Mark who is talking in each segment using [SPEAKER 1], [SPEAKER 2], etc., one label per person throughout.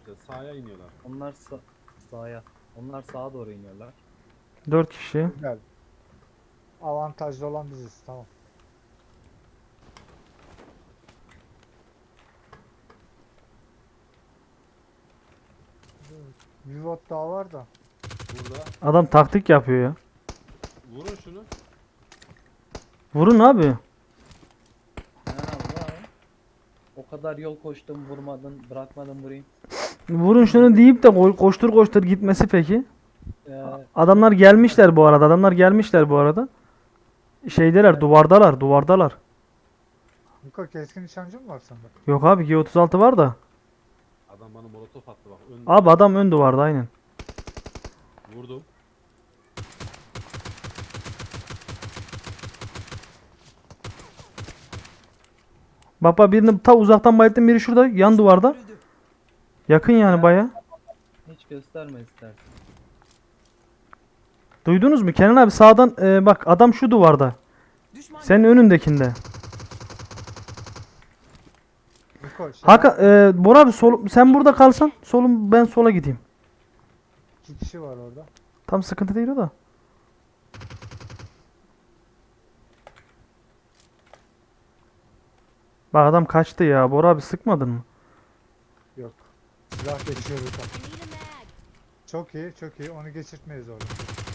[SPEAKER 1] işte sağa iniyorlar.
[SPEAKER 2] Onlar sağa. Onlar sağa doğru iniyorlar.
[SPEAKER 3] 4 kişi.
[SPEAKER 4] Güzel. Avantajlı olan biziz. Tamam. Bir bot daha var da.
[SPEAKER 1] Burada.
[SPEAKER 3] Adam taktik yapıyor ya.
[SPEAKER 1] Vurun şunu.
[SPEAKER 3] Vurun abi.
[SPEAKER 2] Kenan abi var. O kadar yol koştum vurmadın bırakmadın vurayım.
[SPEAKER 3] Vurun şunu deyip de koştur koştur gitmesi peki.
[SPEAKER 2] Ee,
[SPEAKER 3] Adamlar gelmişler bu arada. Adamlar gelmişler bu arada. Şeydeler, duvardalar, duvardalar.
[SPEAKER 4] Niko keskin nişancı mı var sende?
[SPEAKER 3] Yok abi G36 var da.
[SPEAKER 1] Adam bana molotof attı bak.
[SPEAKER 3] Abi adam ön duvarda aynen.
[SPEAKER 1] Vurdum.
[SPEAKER 3] Bak birini ta uzaktan bayılttım, biri şurada yan duvarda. Yakın yani baya.
[SPEAKER 2] hiç gösterme istersen.
[SPEAKER 3] Duydunuz mu? Kenan abi sağdan bak adam şu duvarda. Senin önündekinde.
[SPEAKER 4] Niko
[SPEAKER 3] Hakan Bora abi sen burada kalsan solum ben sola gideyim.
[SPEAKER 4] 2 kişi var orada.
[SPEAKER 3] Tam sıkıntı değil o da. Bak adam kaçtı ya. Bora abi sıkmadın mı?
[SPEAKER 4] Yok. Silah geçiyor burada.
[SPEAKER 5] I need a mag.
[SPEAKER 4] Çok iyi, çok iyi. Onu geçirtmeyiz orada.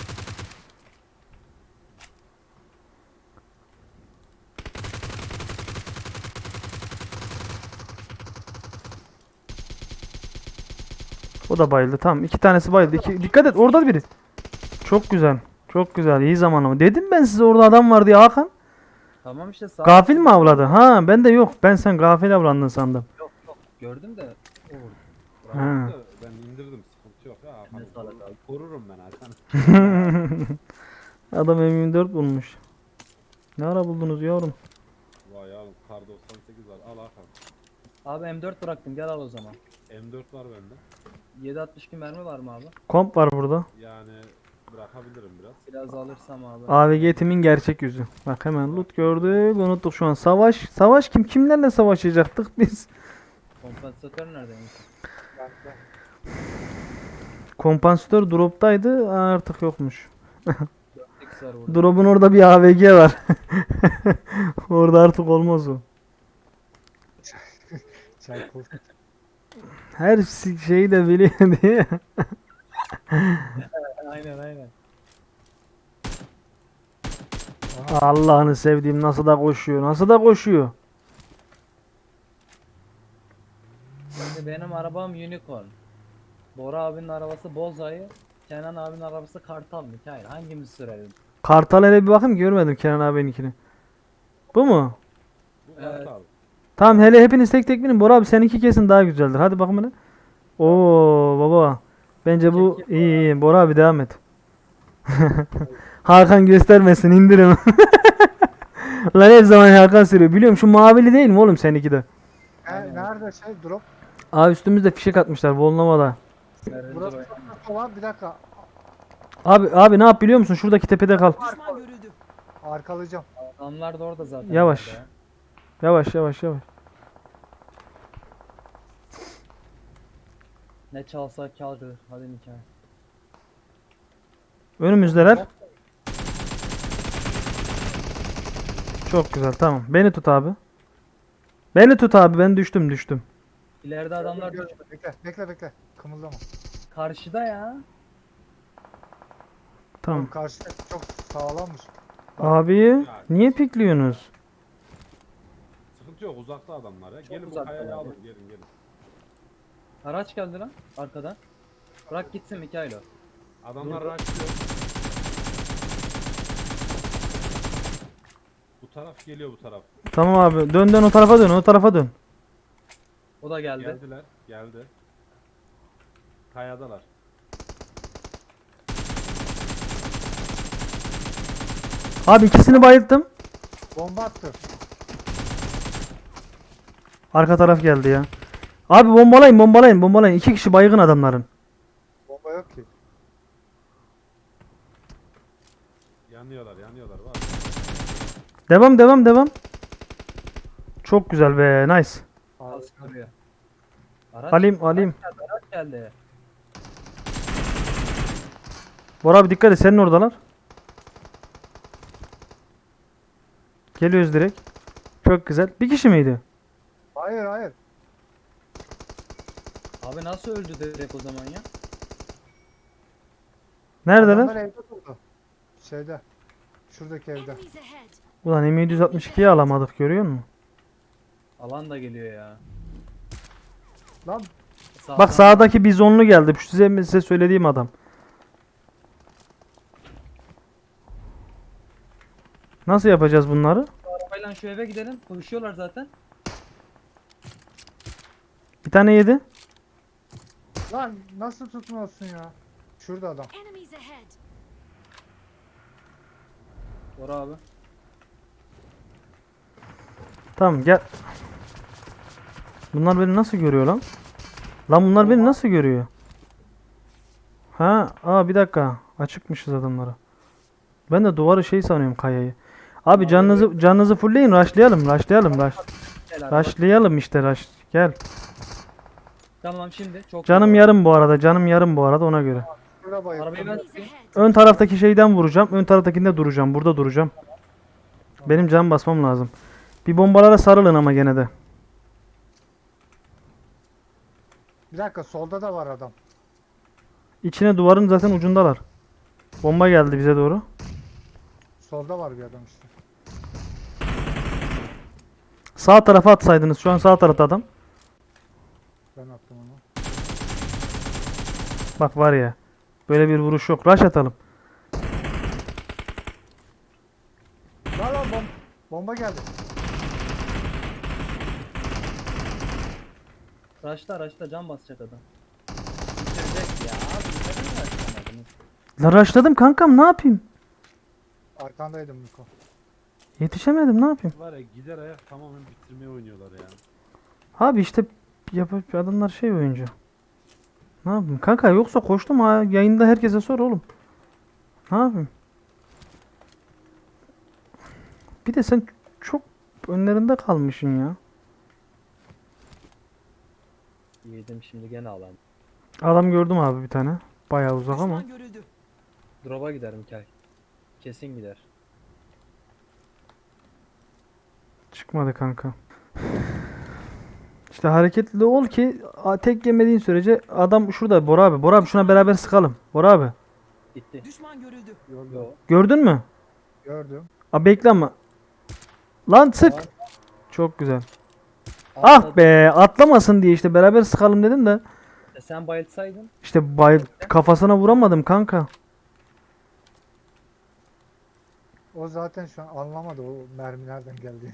[SPEAKER 3] O da bayıldı. Tamam iki tanesi bayıldı. Dikkat et orada biri. Çok güzel. Çok güzel. İyi zaman ama. Dedim ben size orada adam var diye Hakan.
[SPEAKER 2] Tamam işte sağ.
[SPEAKER 3] Gafil mi avladı? Ha ben de yok. Ben sen gafil avlandın sandım.
[SPEAKER 2] Yok yok gördüm de o vurdu.
[SPEAKER 3] Ha.
[SPEAKER 1] Bıraktım da ben indirdim. Sıkıntı yok ya.
[SPEAKER 2] Ne sağlık abi.
[SPEAKER 1] Korurum ben Hakan.
[SPEAKER 3] Adam M24 bulmuş. Ne ara buldunuz yavrum?
[SPEAKER 1] Vay ya kar 98 var. Al Hakan.
[SPEAKER 2] Abi M4 bıraktım gel al o zaman.
[SPEAKER 1] M4 var bende.
[SPEAKER 2] 7.62 mermi var mı abi?
[SPEAKER 3] Komp var burada.
[SPEAKER 1] Yani bırakabilirim biraz.
[SPEAKER 2] Biraz alırsam abi.
[SPEAKER 3] AVG timin gerçek yüzü. Bak hemen loot gördük. Unuttuk şu an. Savaş. Savaş kim? Kimlerle savaşacaktık biz?
[SPEAKER 2] Kompansatör neredeymiş?
[SPEAKER 4] Bende.
[SPEAKER 3] Kompansatör drop'taydı. Artık yokmuş.
[SPEAKER 2] 4x var burada.
[SPEAKER 3] Drop'un orada bir AVG var. Orada artık olmaz o.
[SPEAKER 4] Çaykov.
[SPEAKER 3] Her şeyi de biliyor diye.
[SPEAKER 2] Aynen aynen.
[SPEAKER 3] Allah'ını sevdiğim nasıl da koşuyor. Nasıl da koşuyor.
[SPEAKER 2] Şimdi benim arabam Unicorn. Bora abinin arabası Bozayı. Kenan abinin arabası Kartal Mikail. Hangimizi sürelim?
[SPEAKER 3] Kartal hele bir bakayım görmedim Kenan abininkini. Bu mu?
[SPEAKER 1] Bu
[SPEAKER 2] Evet.
[SPEAKER 1] Kartal.
[SPEAKER 3] Tamam hele hepiniz tek tek binin. Bora abi seninki kesin daha güzeldir. Hadi bakalım hele. Oo baba. Bence bu iyi iyi. Bora abi devam et. Hakan göstermesin indirim. Lan her zaman Hakan sürüyor. Biliyorum şu mavili değil mi oğlum seninki de?
[SPEAKER 4] Nerede drop?
[SPEAKER 3] Aa üstümüzde fişek atmışlar Volnova'da.
[SPEAKER 4] Burası çok var. Bir dakika.
[SPEAKER 3] Abi ne yap biliyor musun? Şuradaki tepede kal.
[SPEAKER 4] Arkalayacağım.
[SPEAKER 2] Adamlar da orada zaten.
[SPEAKER 3] Yavaş.
[SPEAKER 2] orada ya.
[SPEAKER 3] Yavaş yavaş yavaş.
[SPEAKER 2] Ne çalsa kârdır. Hadi Mikail.
[SPEAKER 3] Önümüzdeler. Çok güzel tamam. Beni tut abi. Beni tut abi ben düştüm.
[SPEAKER 2] İleride adamlar
[SPEAKER 4] Gör- Bekle. Kımıldama.
[SPEAKER 2] karşıda ya.
[SPEAKER 3] Tamam.
[SPEAKER 4] Oğlum karşı çok sağlammış.
[SPEAKER 3] Abi niye pikliyorsunuz?
[SPEAKER 1] Sıkıntı yok uzakta adamlar ya. Gelin bu
[SPEAKER 2] uzakta
[SPEAKER 1] kayayı
[SPEAKER 2] ya.
[SPEAKER 1] alın gelin.
[SPEAKER 2] Araç geldi lan arkadan. Bırak gitsin Mikail o.
[SPEAKER 1] Adamlar
[SPEAKER 2] Dur.
[SPEAKER 1] raşlıyor. Bu taraf geliyor bu taraf.
[SPEAKER 3] Tamam abi dön o tarafa dön.
[SPEAKER 2] O da geldi.
[SPEAKER 1] Geldi. Kayadalar.
[SPEAKER 3] Abi ikisini bayılttım.
[SPEAKER 4] Bomba attı.
[SPEAKER 3] Arka taraf geldi ya. Abi bombalayın. İki kişi baygın adamların.
[SPEAKER 4] Bomba yok ki.
[SPEAKER 1] Yanıyorlar var.
[SPEAKER 3] Devam. Çok güzel be nice.
[SPEAKER 2] Az duruyor. Araç,
[SPEAKER 3] Alayım.
[SPEAKER 2] Araç geldi.
[SPEAKER 3] Bora abi dikkat et, senin oradalar. Geliyoruz direkt. Çok güzel. Bir kişi miydi?
[SPEAKER 4] Hayır hayır.
[SPEAKER 2] Abi nasıl öldü direkt o zaman ya?
[SPEAKER 4] Adamlar
[SPEAKER 3] Neredeler?
[SPEAKER 4] evde durdu. Şeyde. Şuradaki evde.
[SPEAKER 5] Enemies ahead.
[SPEAKER 3] Ulan M762'yi alamadık, görüyor musun?
[SPEAKER 2] Alan da geliyor ya.
[SPEAKER 4] Lan
[SPEAKER 3] Bak sağdaki bizonlu geldi. Şu size söylediğim adam. Nasıl yapacağız bunları?
[SPEAKER 2] Arabayla şu eve gidelim. Konuşuyorlar zaten.
[SPEAKER 3] Bir tane yedi.
[SPEAKER 4] lan nasıl tutmuyorsun ya? Şurada adam.
[SPEAKER 5] Enemies ahead.
[SPEAKER 2] Bora abi.
[SPEAKER 3] Tamam gel. Bunlar beni nasıl görüyor lan? Lan bunlar beni nasıl görüyor? Ha, bir dakika. Açıkmışız adamlara. Ben de duvarı şey sanıyorum, kayayı. Abi canınızı fullleyin, rushlayalım.
[SPEAKER 2] Gel abi.
[SPEAKER 3] Rushlayalım işte, rush. Gel.
[SPEAKER 2] Tamam şimdi. Çok
[SPEAKER 3] Canım
[SPEAKER 2] iyi.
[SPEAKER 3] yarım bu arada. Canım yarım bu arada, ona göre.
[SPEAKER 4] Şurada bayıldım.
[SPEAKER 2] Arabayı ben
[SPEAKER 5] Enemies
[SPEAKER 2] tutayım.
[SPEAKER 5] ahead.
[SPEAKER 3] Ön taraftaki şeyden vuracağım. Ön taraftakinde duracağım. Burada duracağım. Benim can basmam lazım. Bir bombalara sarılın ama gene de.
[SPEAKER 4] Bir dakika solda da var adam.
[SPEAKER 3] İçine duvarın zaten ucundalar. Bomba geldi bize doğru.
[SPEAKER 4] Solda var bir adam işte.
[SPEAKER 3] Sağ tarafa atsaydınız. Şu an sağ tarafta adam.
[SPEAKER 4] Ben attım onu.
[SPEAKER 3] Bak var ya. Böyle bir vuruş yok. Rush atalım.
[SPEAKER 4] Lan bomba geldi.
[SPEAKER 2] Raşla can basacak adam. Bitirecek ya. Abi neden raşlamadınız?
[SPEAKER 3] La rushladım kankam, ne yapayım?
[SPEAKER 4] Arkandaydım Miko.
[SPEAKER 3] Yetişemedim, ne yapayım?
[SPEAKER 1] Var ya, gider ayak tamamen bitirmeye oynuyorlar ya.
[SPEAKER 3] Abi işte adamlar şey oyuncu. Ne yapayım kanka, yoksa koştum ha, yayında herkese sor oğlum. Ne yapayım? Bir de sen çok önlerinde kalmışsın ya.
[SPEAKER 2] Yedim şimdi gene alan.
[SPEAKER 3] Adam gördüm abi bir tane. Bayağı uzak ama.
[SPEAKER 2] Drop'a gider Mikael. Kesin gider.
[SPEAKER 3] Çıkmadı kanka. İşte hareketli ol ki tek yemediğin sürece adam şurada. Bora abi. Bora abi, şuna beraber sıkalım. Bora abi.
[SPEAKER 2] Gitti.
[SPEAKER 6] Düşman görüldü.
[SPEAKER 2] Yo.
[SPEAKER 3] Gördün mü?
[SPEAKER 4] Gördüm.
[SPEAKER 3] Abi bekle ama. Lan sık. Çok güzel. Ah be, atlamasın diye işte beraber sıkalım dedim de.
[SPEAKER 2] Sen bayıltsaydın.
[SPEAKER 3] İşte kafasına vuramadım kanka.
[SPEAKER 4] O zaten şu an anlamadı o mermi nereden geldi.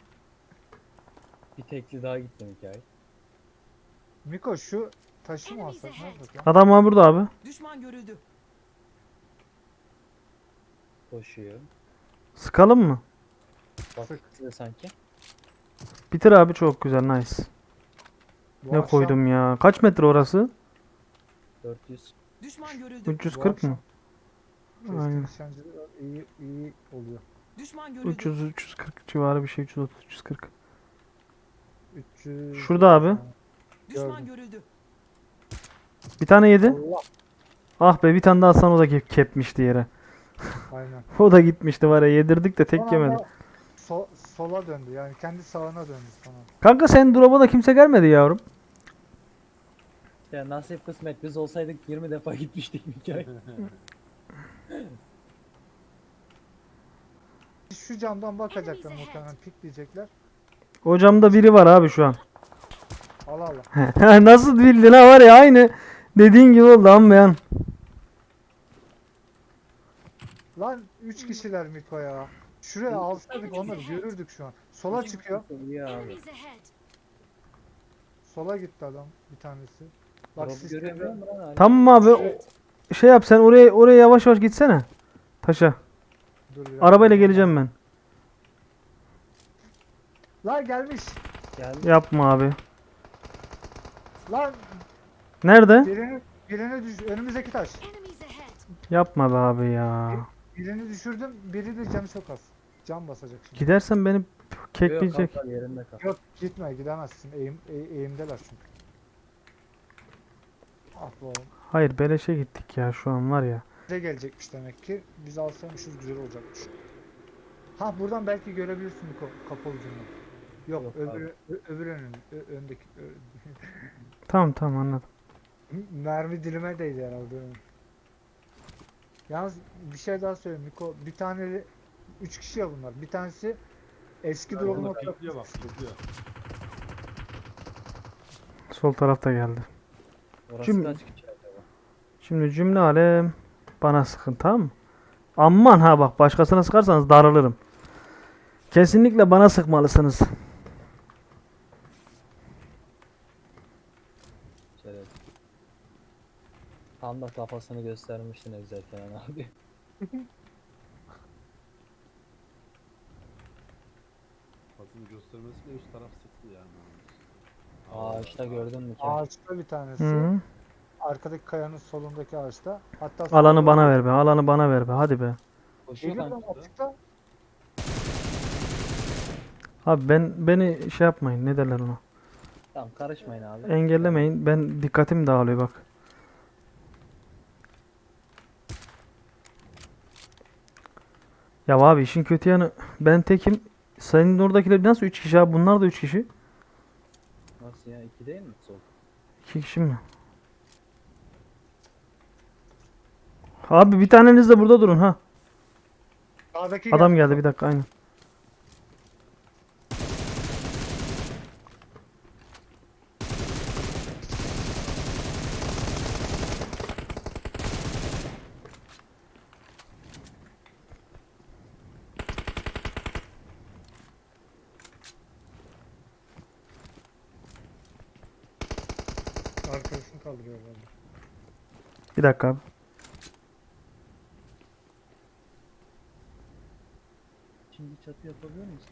[SPEAKER 2] Bir tekli daha gitti Mikael.
[SPEAKER 4] Miko şu taşı mı alsak ne yapsak ya?
[SPEAKER 3] Adam var burada abi.
[SPEAKER 6] Düşman görüldü.
[SPEAKER 2] Koşuyor.
[SPEAKER 3] Sıkalım mı?
[SPEAKER 2] Bak
[SPEAKER 4] Sık.
[SPEAKER 2] size sanki.
[SPEAKER 3] Bitir abi, çok güzel, nice.
[SPEAKER 4] Bu
[SPEAKER 3] Ne
[SPEAKER 4] akşam-
[SPEAKER 3] koydum ya? Kaç metre orası?
[SPEAKER 2] 400.
[SPEAKER 6] Düşman görüldü.
[SPEAKER 3] 340 mı?
[SPEAKER 4] Keskin
[SPEAKER 3] Aynen.
[SPEAKER 4] nişancılığı iyi oluyor.
[SPEAKER 6] Düşman görüldü.
[SPEAKER 3] 300 340 civarı bir şey, 330 340.
[SPEAKER 4] 300.
[SPEAKER 3] Şurada abi.
[SPEAKER 6] Düşman
[SPEAKER 4] gördüm.
[SPEAKER 6] görüldü.
[SPEAKER 3] Bir tane yedi.
[SPEAKER 4] Allah.
[SPEAKER 3] Ah be, bir tane daha atsan o da kepmişti yere.
[SPEAKER 4] Aynen.
[SPEAKER 3] O da gitmişti var ya, yedirdik de tek
[SPEAKER 4] Son
[SPEAKER 3] yemedi.
[SPEAKER 4] anda sola döndü yani kendi sağına döndü sonra.
[SPEAKER 3] Kanka sen drop'a da kimse gelmedi yavrum.
[SPEAKER 2] Ya nasip kısmet, biz olsaydık 20 defa gitmiştik Mikael.
[SPEAKER 4] Şu camdan bakacaklar muhtemelen pikleyecekler.
[SPEAKER 3] O camda biri var abi şu an.
[SPEAKER 4] Allah Allah.
[SPEAKER 3] Nasıl bildin ha, var ya, aynı dediğin gibi oldu anlayan.
[SPEAKER 4] Lan 3 kişiler Miko ya. Şuraya alsaydık onları görürdük şu an. Sola çıkıyor.
[SPEAKER 2] İyi abi.
[SPEAKER 5] Enemies ahead.
[SPEAKER 4] Sola gitti adam bir tanesi. Bak
[SPEAKER 2] Drop'u
[SPEAKER 4] sistemde.
[SPEAKER 2] göremiyor musun lan?
[SPEAKER 3] Tamam abi, şey yap sen, oraya yavaş yavaş gitsene. Taşa.
[SPEAKER 4] Dur bir
[SPEAKER 3] Arabayla
[SPEAKER 4] dakika.
[SPEAKER 3] geleceğim ben.
[SPEAKER 4] Lan gelmiş.
[SPEAKER 2] Geldi.
[SPEAKER 3] Yapma abi.
[SPEAKER 4] Lan
[SPEAKER 3] Nerede?
[SPEAKER 4] birini önümüzdeki taş.
[SPEAKER 5] Enemies ahead.
[SPEAKER 3] Yapma be abi ya.
[SPEAKER 4] Birini düşürdüm. Biri de canı çok az. Can basacak şimdi.
[SPEAKER 3] Gidersen beni
[SPEAKER 2] Yok,
[SPEAKER 3] kekleyecek.
[SPEAKER 2] kal, yerinde kal.
[SPEAKER 4] Yok gitme gidemezsin. Eğimdeler çünkü. Ah be oğlum.
[SPEAKER 3] Hayır beleşe gittik ya şu an var ya.
[SPEAKER 4] Bize gelecekmiş demek ki. Biz alsaymışız güzel olacakmış. Ha buradan belki görebilirsin Miko kapalı ucundan. Yok,
[SPEAKER 2] Yok
[SPEAKER 4] öbür önün, öndeki
[SPEAKER 3] Tamam tamam anladım.
[SPEAKER 4] mermi dilime değdi herhalde. Yalnız bir şey daha söyleyeyim Miko. Bir tane 3 kişi ya bunlar. Bir tanesi eski drop'un
[SPEAKER 1] Orada
[SPEAKER 4] orada.
[SPEAKER 1] pikliyor bak pikliyor.
[SPEAKER 3] Sol tarafta geldi.
[SPEAKER 2] Orası
[SPEAKER 3] Şimdi-
[SPEAKER 2] kaç kişi acaba?
[SPEAKER 3] Şimdi cümle alem bana sıkın tamam mı? Aman ha bak başkasına sıkarsanız darılırım. Kesinlikle bana sıkmalısınız.
[SPEAKER 2] Şöyle. Tam da kafasını göstermiştin Evzel Kenan abi.
[SPEAKER 1] Basını göstermesiyle üst taraf sıktı yani.
[SPEAKER 2] Ağaçta gördün mü ki?
[SPEAKER 4] Ağaçta bir tanesi.
[SPEAKER 3] Hı.
[SPEAKER 4] Arkadaki kayanın solundaki ağaçta. Hatta
[SPEAKER 3] Alanı
[SPEAKER 4] solda-
[SPEAKER 3] bana ver be. Alanı bana ver be. Hadi be.
[SPEAKER 2] Koşuyor
[SPEAKER 4] Geliyor
[SPEAKER 2] kanka.
[SPEAKER 4] lan açıkta.
[SPEAKER 3] Abi beni şey yapmayın. Ne derler ona?
[SPEAKER 2] Tamam karışmayın abi.
[SPEAKER 3] Engellemeyin. Ben dikkatim dağılıyor bak. Ya abi işin kötü yanı ben tekim. Senin oradakiler nasıl 3 kişi abi? Bunlar da 3 kişi.
[SPEAKER 2] Nasıl ya? 2 değil mi? Sol.
[SPEAKER 3] 2 kişi mi? Abi bir taneniz de burada durun ha.
[SPEAKER 4] Sağdaki
[SPEAKER 3] Adam geldi bir dakika aynen.
[SPEAKER 4] Arkasını kaldırıyor herhalde.
[SPEAKER 3] Bir dakika abi.
[SPEAKER 2] Şimdi çatı yapabiliyor musun?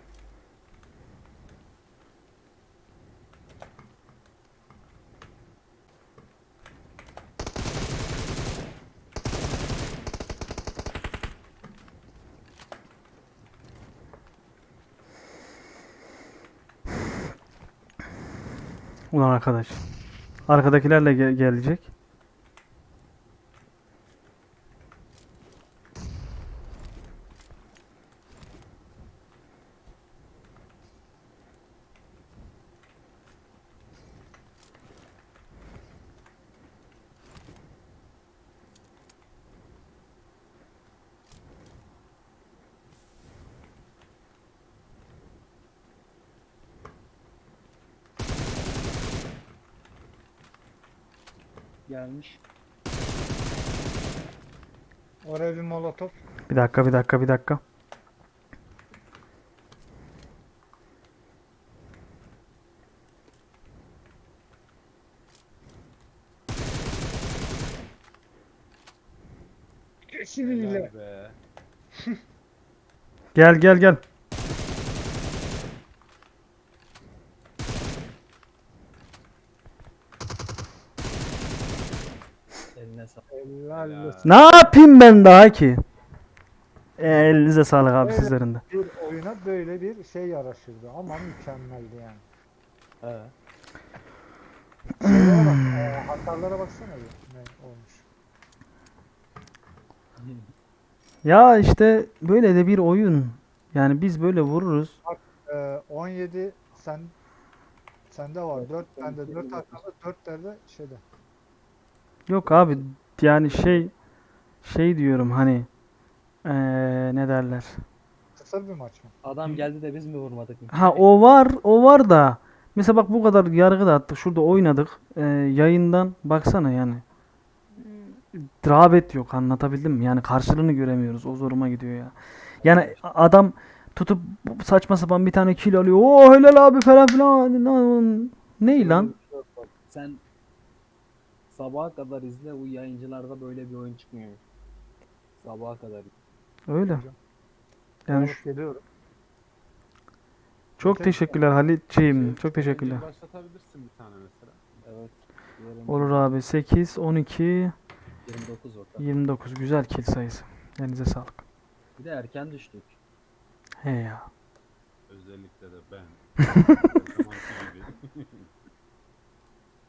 [SPEAKER 3] Ulan arkadaş. Arkadakilerle gelecek.
[SPEAKER 2] Gelmiş.
[SPEAKER 4] Oraya bir molotof.
[SPEAKER 3] Bir dakika bir dakika bir dakika.
[SPEAKER 4] Kesinlikle.
[SPEAKER 1] Helal be.
[SPEAKER 3] Gel gel gel.
[SPEAKER 2] Eline sağlık.
[SPEAKER 4] Helal
[SPEAKER 1] Helal.
[SPEAKER 4] olsun.
[SPEAKER 3] Ne yapayım ben daha ki? Elinize sağlık abi
[SPEAKER 4] Evet.
[SPEAKER 3] sizlerin de.
[SPEAKER 4] Bir oyuna böyle bir şey yaraşırdı ama mükemmeldi yani.
[SPEAKER 2] He.
[SPEAKER 4] Şeylere bak, hasarlara baksana bir ne olmuş.
[SPEAKER 3] Ya işte böyle de bir oyun. Yani biz böyle vururuz.
[SPEAKER 4] 17 sende var. 4 bende 4 arkada 4 de şeyde.
[SPEAKER 3] Yok abi yani şey diyorum hani ne derler.
[SPEAKER 4] Kısa bir maç mı?
[SPEAKER 2] Adam geldi de biz mi vurmadık?
[SPEAKER 3] Ha o var da mesela bak bu kadar yargı da attık. Şurada oynadık. Yayından baksana yani. Rağbet yok anlatabildim mi? Yani karşılığını göremiyoruz. O zoruma gidiyor ya. Yani adam tutup saçma sapan bir tane kill alıyor. Oo helal abi falan filan. Ney lan?
[SPEAKER 2] Sen sabaha kadar izle, bu yayıncılarda böyle bir oyun çıkmıyor. Sabaha kadar.
[SPEAKER 3] Öyle. Yani
[SPEAKER 4] Alıp geliyorum.
[SPEAKER 3] çok teşekkürler Halitciğim. Çok
[SPEAKER 1] Şey,
[SPEAKER 3] teşekkürler.
[SPEAKER 1] başlatabilirsin bir tane mesela.
[SPEAKER 2] Evet. Diyelim
[SPEAKER 3] Olur abi. 8, 12,
[SPEAKER 2] 29 orta.
[SPEAKER 3] 29. Güzel kill sayısı. Elinize sağlık.
[SPEAKER 2] Bir de erken düştük.
[SPEAKER 3] He ya.
[SPEAKER 1] Özellikle de ben.